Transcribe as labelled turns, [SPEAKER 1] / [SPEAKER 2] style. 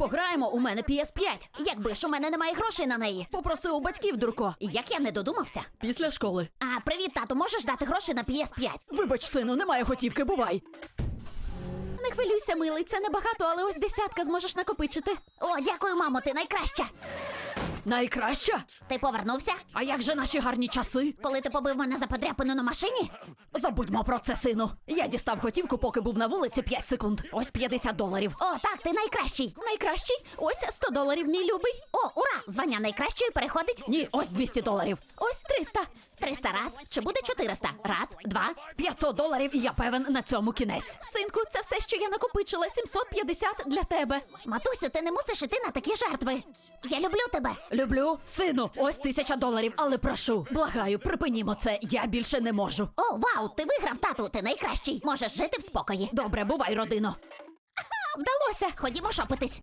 [SPEAKER 1] Пограємо, у мене PS5.
[SPEAKER 2] Якби ж у мене немає грошей на неї.
[SPEAKER 1] Попроси у батьків, дурко.
[SPEAKER 2] Як я не додумався?
[SPEAKER 1] Після школи.
[SPEAKER 2] А, привіт, тату, можеш дати гроші на PS5?
[SPEAKER 1] Вибач, сину, немає готівки, бувай.
[SPEAKER 2] Не хвилюйся, милий, це небагато, але ось 10 зможеш накопичити. О, дякую, мамо, ти найкраща.
[SPEAKER 1] Найкраща?
[SPEAKER 2] Ти повернувся?
[SPEAKER 1] А як же наші гарні часи?
[SPEAKER 2] Коли ти побив мене за подряпину на машині?
[SPEAKER 1] Забудьмо про це, сину. Я дістав готівку, поки був на вулиці 5 секунд. Ось $50.
[SPEAKER 2] О, так, ти найкращий.
[SPEAKER 1] Найкращий? Ось $100, мій любий.
[SPEAKER 2] О, ура! Звання найкращої переходить.
[SPEAKER 1] Ні, ось $200.
[SPEAKER 2] Ось 300. 300 раз. Чи буде 400? Раз, два.
[SPEAKER 1] $500, і я певен, на цьому кінець. Синку, це все, що я накопичила. 750 для тебе.
[SPEAKER 2] Матусю, ти не мусиш іти на такі жертви. Я люблю тебе.
[SPEAKER 1] Люблю. Сину, ось $1000, але прошу. Благаю, припинімо це, я більше не можу.
[SPEAKER 2] О, вау, ти виграв, тату, ти найкращий. Можеш жити в спокої.
[SPEAKER 1] Добре, бувай, родино.
[SPEAKER 2] Вдалося. Ходімо шопитись.